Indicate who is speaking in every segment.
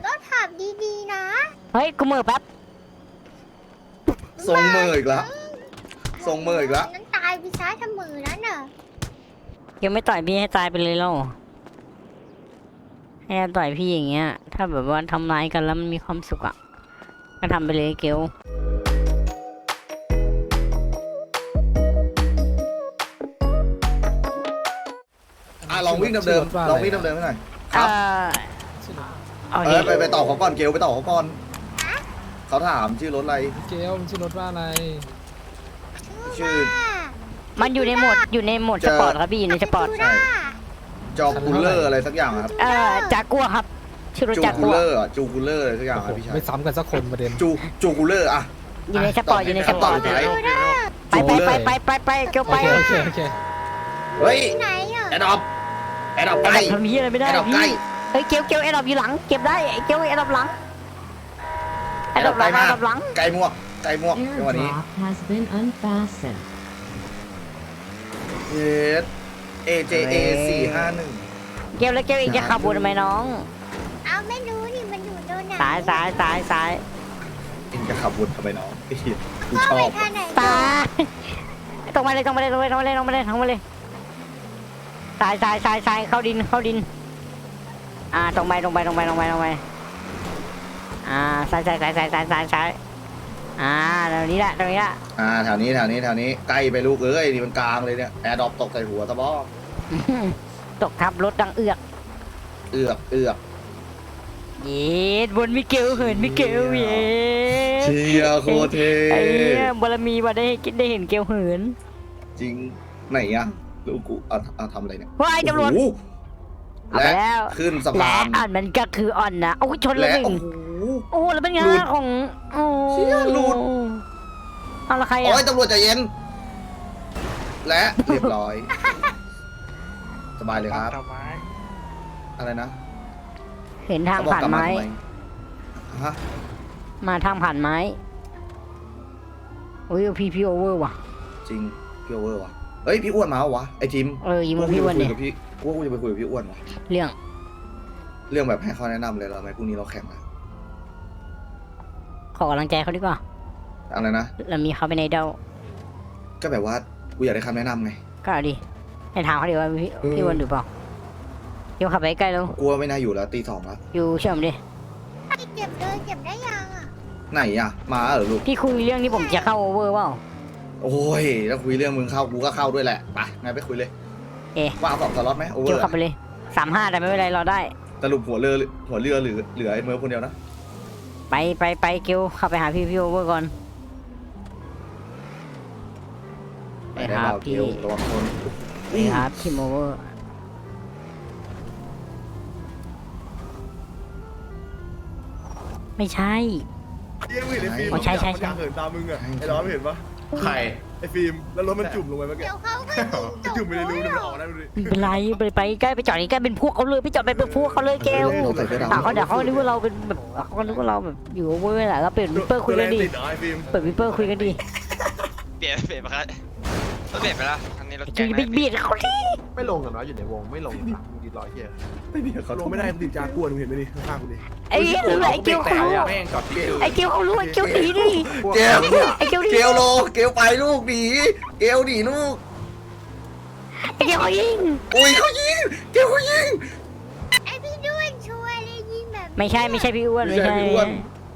Speaker 1: ก็ถามดีๆนะ
Speaker 2: เฮ้ยกูมือแป๊บ
Speaker 3: ทรงเมออีกแล้วทรงเมออีกแล้ว
Speaker 1: นั้นตายไปซะถ้ามือนั้นน่ะ
Speaker 2: เกียวไม่ต่อยพี่ให้ตายไปเลยแล้วให้ต่อยพี่อย่างเงี้ย ถ้าแบบว่าทำร้ายกันแล้วมันมีความสุขอ่ะก็ทำไปเลยเกียว
Speaker 3: ลองวิ่งเดิมๆลองวิ่งเดิมๆให้หน่อยค
Speaker 2: เอ
Speaker 3: รับ
Speaker 2: เอาดิ
Speaker 3: ไปต่อเขาก่อนเกลไปต่อเขาก่อนเขาถามชื่อรถอะไร
Speaker 4: เกลมันชื่อรถว่าอะไร
Speaker 3: ชื่อ
Speaker 2: มันอยู่ในโหมดสปอร์ตครับพี่อยู่ในสปอร์ต
Speaker 3: ใช่จอคูลเลอร์อะไรสักอย่างครับ
Speaker 2: จากัวครับชื่อรถ
Speaker 3: จู
Speaker 2: จาก
Speaker 3: คู
Speaker 2: กั
Speaker 3: ล
Speaker 2: ว
Speaker 3: เลอร์จูคูลเลอร์อะไรสักอย่างครับพี่ชาย
Speaker 4: ไม่ซ้ำกันสักคนประเด็น
Speaker 3: จูคูลเลอร์อะ
Speaker 2: อยู่ในสปอร์ตอยู่ในสปอร์ต
Speaker 3: ไหน
Speaker 2: ไปเกียวไป
Speaker 4: โอเค
Speaker 3: เฮ้ย
Speaker 1: ที่ไหนอ่ะ
Speaker 3: แอดดอปใกล้
Speaker 2: ทำพี่อะไรไม่ได้
Speaker 3: แอดดอปใกล้
Speaker 2: พี่เฮ้ยเกียวแอดดอปอยู่หลังเก็บได้เกียวแอดดอปหลังแอดดอปหลัง
Speaker 3: ไกลมวกในวันนี้
Speaker 5: Airdrop has been unfastened.
Speaker 3: เอส AJA 451
Speaker 2: เกียวแล้วเกียวเองจะขับวนทำไมน้อง
Speaker 1: เอาไม่รู้นี่มันอยู่โดนไหน
Speaker 2: ซ้าย
Speaker 3: เองจะขับวนทำไมน้องกูช
Speaker 1: ก็
Speaker 3: อ
Speaker 1: ไป
Speaker 3: บ
Speaker 1: ทางไหน
Speaker 2: ซ้ายตรงมาเลยซ้ายเข้าดินตรงไปซ้ายซ้ายแถวนี้แหละ
Speaker 3: แถวนี้ใกล้ไปลูกเอ้ยนี่มันกลางเลยเนี่ยแอร์ดรอปตกใส่หัวตะบ้อ
Speaker 2: ตกทับรถดังเอือก
Speaker 3: เอือก
Speaker 2: เย็ดบนมิเกลเหินมิเกลเย็ด
Speaker 3: เชียร์โคตรเท
Speaker 2: ไอ้เนี่ยบารมีว่าได้เห็นเกลเหิน
Speaker 3: จริงไหนอะลูกกูเอาทำอะไรเนี่ย
Speaker 2: ว้ายตำรวจ
Speaker 3: โอ้โห
Speaker 2: เอาไป
Speaker 3: และ
Speaker 2: แล้ว
Speaker 3: ขึ้นสะ
Speaker 2: และ
Speaker 3: พาน
Speaker 2: อ่อนมันก็คืออ่อนนะโอ้ยชนเลย
Speaker 3: และ
Speaker 2: หนึ่ง
Speaker 3: โอ้โห
Speaker 2: โอ้แล้วเป็นไง
Speaker 3: หลุด
Speaker 2: ของโอ้
Speaker 3: เชี่ยหลุด
Speaker 2: เอาละใคร
Speaker 3: โอ้
Speaker 2: อ่ะ
Speaker 3: ยตำรวจใจเย็น และเรียบร้อย สบายเลยครับ อะไรนะ
Speaker 2: เห็นทาง
Speaker 3: เขบอก
Speaker 2: ผ่าน
Speaker 3: กลับ
Speaker 2: ไม้
Speaker 3: ทำฮะ
Speaker 2: มาทางผ่านไม้โอ้ยพี่โอเวอร์ว่ะ
Speaker 3: จริงพี่โอเวอร์วะเฮ้ยพี่อ้วนมาเหรอวะไอจิม
Speaker 2: ยิงมาพี่อ้วนเนี่ย
Speaker 3: กูจะไปคุยกับพี่อ้วนวะ
Speaker 2: เรื่อง
Speaker 3: เรื่องแบบให้เขาแนะนำเลยเราไหมพรุ่งนี้เราแข่งอะ
Speaker 2: ขอกำลังใจเขาดีกว่า
Speaker 3: อะไรนะ
Speaker 2: เรามีเขาเป็นไอดอล
Speaker 3: ก็แบบว่ากูอยากได้คำแนะนำไง
Speaker 2: ก็เอาดิให้ถามเขาดีว่าพี่
Speaker 3: เออ
Speaker 2: พี่อ้วนหรือเปล่าเดี๋ยวขับไปใกล้แล้ว
Speaker 3: กูว่าไม่น่าอยู่แล้วตี 2แล้ว
Speaker 2: อยู่เชื่อมดิ
Speaker 1: เก็บเลยเก็บได้ยังอ่ะ
Speaker 3: ไหนอะมาเหรอลูก
Speaker 2: พี่คุยเรื่องที่ผมจะเข้าโอเวอร์เปล่า
Speaker 3: โอ้ยแล้วคุยเรื่องมึงเข้ากูก็เข้าด้วยแหละไปงั้นไปคุยเลย
Speaker 2: เอ๊ะ
Speaker 3: ว่าเอา2 สล็อตไหมโอเวอ
Speaker 2: เดี๋ยว
Speaker 3: ร์
Speaker 2: ขับไปเลย35แต่ไม่เป็นไรรอได้
Speaker 3: สรุปหัวเรือเหลือไอ้เมอร์คนเดียวนะ
Speaker 2: ไปเกลขับไปหาพี่โอเวอร์ก่อนไป
Speaker 3: ได้
Speaker 2: หา
Speaker 3: เปล่า
Speaker 2: พี่
Speaker 3: เกียวระวังคน
Speaker 2: ไปหาพี่โอเวอร์ไม่ใช่
Speaker 6: เยี่ยมเห็นไอ้ฟิล์ม
Speaker 2: อ๋อใช่
Speaker 6: มันอยากเหินตามมึงอะไอ้ร้อนไม่เห็นปะ
Speaker 7: ใคร
Speaker 6: ไอ้ฟิล์มแล้วรถมันจุ่มลงไปเมื่อกี้
Speaker 1: เดี๋ยวเขาก็
Speaker 6: มันจุ่มไปในรูมันออกได้ดูดิ
Speaker 2: ไม่เป็นไรไปใกล้ไปจอดใกล้เป็นพวกเขาเลยไปจอดไปเป็นพวกเขาเลยเกล
Speaker 3: ใส่เสื้อดำ
Speaker 2: เขาเดี๋ยวเขานึกว่าเราเป็นแบบเขาก็นึกว่าเราแบบอยู่โอเวอร์แหละเราเปิดวิปเปอร์คุยกันดิ
Speaker 6: ติดเหรอไอ้ฟิล์ม
Speaker 2: เปิดวิปเปอร์คุยกันดิ
Speaker 7: เปลี่ยนไปครับรถเปลี่ยนไปแล้วอันนี้รถ
Speaker 2: จะ
Speaker 7: แก๊ง
Speaker 2: ไปเบียดเขาดิ
Speaker 8: ไม่ลงกันวะอยู่ในวงไม่ลงหลังดีร้อยเฮีย
Speaker 3: ไม่มีเขา
Speaker 6: ลงไม่ได้ติดจากวนมึงเห็นไหมนี่ข้างๆกูดิ
Speaker 2: ไอ้เหี้ยหรือไอ้เกลเขารู้
Speaker 8: แม่งจอดที่
Speaker 2: ไอ้เกลเขารู้ไอ้เกลหนีดิ
Speaker 3: เกล
Speaker 2: ไอ้เกลหนี
Speaker 3: เกลโลเกลไปลูกหนีเกลหนีลูก
Speaker 2: ไอ้เกลเขายิง
Speaker 3: โอ้ยเขายิงเกลเขายิง
Speaker 1: ไอพี่ด้วนช่วยเลยยิงแบบ
Speaker 2: ไม่ใช่พี่อ้วน
Speaker 3: ไม่ใช่พี่อ้วน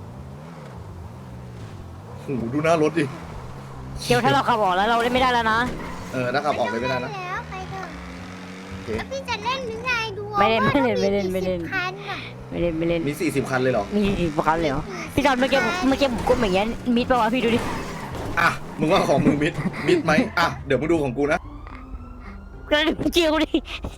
Speaker 3: โอ้โหดูหน้ารถดิ
Speaker 2: เกลถ้าเราขับออกแล้วเราเล่นไม่ได้แล้วนะ
Speaker 3: ถ้าขับออกเลยไม่ได้นะ
Speaker 1: แล้วไปเถอะ
Speaker 3: โอเค
Speaker 1: แล้วพี่จะเล่นหรือไงดู
Speaker 2: ไม่เล่น
Speaker 1: ว่า
Speaker 2: ไม่เล่น
Speaker 1: มี
Speaker 2: ไม่เล่น
Speaker 1: กี่สิบคันอ่ะ
Speaker 2: ไม่เล่น
Speaker 3: มี40 คันเลยเหรอ
Speaker 2: มีกี่คันเลยเหรอพี่จอนเมื่อกี้ผมก้มอย่างเงี้ยมิดป่าวะพี่ดูดิ
Speaker 3: อ่ะมึงว่าของมึงมิดไหมอ่ะเดี๋ยวมึงดูของกูนะ
Speaker 2: ก็เจียวดิ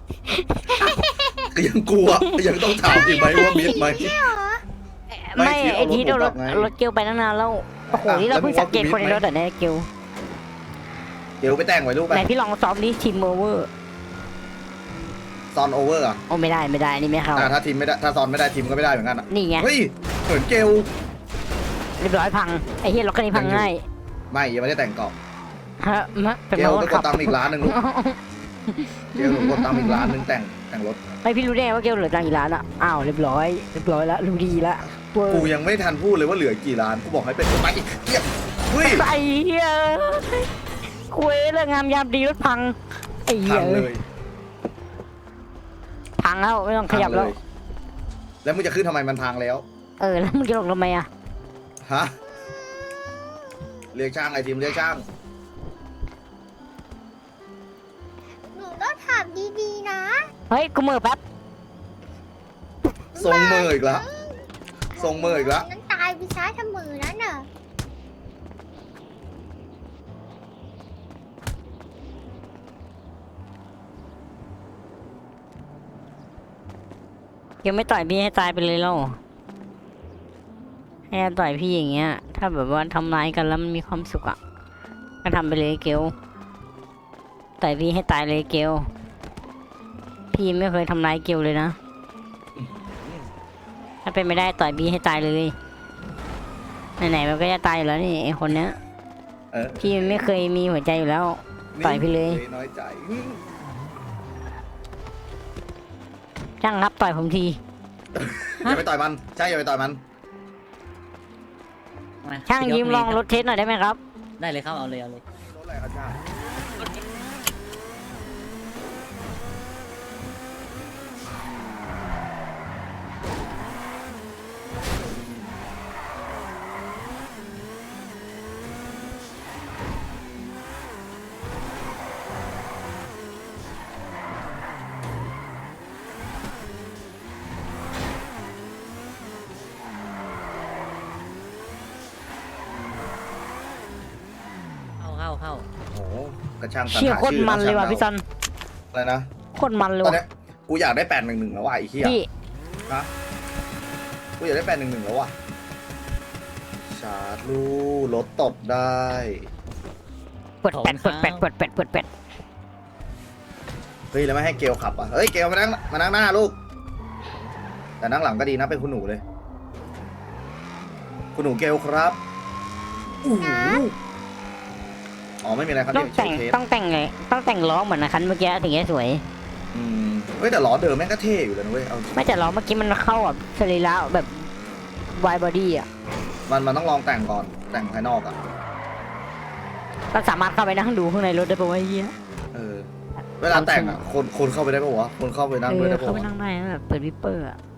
Speaker 3: ก็ยังกลัวยังต้องถามอีกไหมว่ามิดไหม ไม่
Speaker 2: ไม่
Speaker 3: ที่เอา
Speaker 2: ไอ้ที่
Speaker 3: รถผมกลับไง
Speaker 2: รถเกลไปตั้งนานแล้วโอ้โหนี่เราเพิ่งสังเกตคนในรถแต่ในเกล
Speaker 3: เกลไปแต่งไว้ลูกไป
Speaker 2: ไหนพี่ลองซ้อมดิทีมโอเวอร์
Speaker 3: ซอนโอเวอร์อ่ะ
Speaker 2: โอ้ไม่ได้นี่ไม่เข้า
Speaker 3: ถ้าทีมไม่ได้ถ้าซอนไม่ได้ทีมก็ไม่ได้เหมือนกันอ่ะ
Speaker 2: นี่ไง
Speaker 3: เฮ้ยเหมือนเกล
Speaker 2: เรียบร้อยพังไอ้เฮียรถคันนี้พังง่าย
Speaker 3: ไม่ยังไม่ได้แต่งกรอบ
Speaker 2: ฮะเป็น
Speaker 3: เกล
Speaker 2: มา
Speaker 3: ต้องก
Speaker 2: ขั
Speaker 3: ด
Speaker 2: บ
Speaker 3: ตังค์อีกล้านหนึ่งลูกเกลต้องกดตังค์อีกล้านหนึ่งแต่งแต่งรถ
Speaker 2: ไม่พี่รู้ได้ไงว่าเกลเหลือตังค์กี่ล้านอะอ้าวเรียบร้อยละรู้ดีละเว้ย
Speaker 3: กูยังไม่ทันพูดเลยว่าเหลือกี่ล้านกูบอกให้เป็นไปอีกเหี้ยเฮ้ย
Speaker 2: ไอ้เหี้ยคุยเรื่องงามยามดีรถพังไอ้เหี้
Speaker 3: พั
Speaker 2: ย
Speaker 3: งเลย
Speaker 2: พังแล้วไม่ต้องขยับ
Speaker 3: พัง
Speaker 2: แล้ว
Speaker 3: เแล้วมึงจะขึ้นทำไมมันพังแล้ว
Speaker 2: แล้วมึงจะลงทำไมอะ
Speaker 3: ฮะเรียกช่างไอ้ทีมเรียกช่าง
Speaker 1: หนูต้องถามดีๆนะ
Speaker 2: เฮ้ยกูมือแป๊บ
Speaker 3: ทรงมืออีกแล้วทรงมืออีกแล้ว
Speaker 1: นั้นตายไปซะถ้ามือนั้นน่ะ
Speaker 2: เกลไม่ต่อยพี่ให้ตายไปเลยแล้วให้ต่อยพี่อย่างเงี้ย ถ้าแบบว่าทำร้ายกันแล้วมันมีความสุขอะก็ทำไปเลยเกลต่อยพี่ให้ตายเลยเกลพี่ไม่เคยทำร้ายเกลเลยนะถ้าเป็นไม่ได้ต่อยพี่ให้ตายเลยไหนๆมันก็จะตายอยู่แล้วนี่ไอคนเนี้ย
Speaker 3: เออ
Speaker 2: พี่ไม่เคยมีหัวใจอยู่แล้ว ต่อยพี่เลย
Speaker 3: น้อยใจ
Speaker 2: ช่างครับต่อยผมที
Speaker 3: อย่าไปต่อยมันใช่อย่าไปต่อยมัน
Speaker 2: ช่างยืมลองรถเทสหน่อยได้ไหมครับ
Speaker 9: ได้เลยครับ เอาเลย
Speaker 3: รถอะไรครับช่าง
Speaker 9: เข้า
Speaker 3: โอ้โหกระช่างตัด
Speaker 2: เชี่ย
Speaker 3: หา
Speaker 2: โคตร
Speaker 3: ชื่อ
Speaker 2: มันเลยว่ะ
Speaker 3: ช่าง
Speaker 2: พี่ซัน
Speaker 3: อะไรนะ
Speaker 2: โคตรมันเลย
Speaker 3: ตอน
Speaker 2: ว่ะ
Speaker 3: เนี้ยกูอยากได้811แล้วว่ะไอ้เหี้ย
Speaker 2: พี่
Speaker 3: นะกูอยากได้811แล้วว่ะชาร์จลูรถตบได้
Speaker 2: เปิดแปดเปิดแปดเปิดแปดเปิดแปด
Speaker 3: เฮ้ยแล้วไม่ให้เกลขับอ่ะเฮ้ยเกลมานั่งหน้าลูกแต่นั่งหลังก็ดีนะเป็นคุณหนูเลย คุณหนูเกลครับอู้หูอ๋อไม่มีอะไรครับ
Speaker 2: ต้องแต่ง
Speaker 3: เทป
Speaker 2: ต้องแต่งไงต้องแต่งล้อเหมือนนะคันเมื่อกี้ถึงจะสวย
Speaker 3: เฮ้ยแต่ล้อเดิมแม่งก็เท่อยู่เลยนะเว้ยเอา
Speaker 2: ไม่แต่ล้อเมื่อกี้มันเข้าแบบสรีระแบบวายบอดี้อ่ะ
Speaker 3: มันต้องลองแต่งก่อนแต่งภายนอกอ่ะ
Speaker 2: เราสามารถเข้าไปนั่งดูข้างในรถได้ปะวะไอ้เหี้ย
Speaker 3: เออเวลาแต่งอ่ะคนเข้าไปได้ปะวะคนเข้าไปนั่งด้วยได้ปะ
Speaker 2: เข้าไป
Speaker 3: วะ
Speaker 2: นั่งได้นะแบบเปิดวิปเปอร์อ่ะ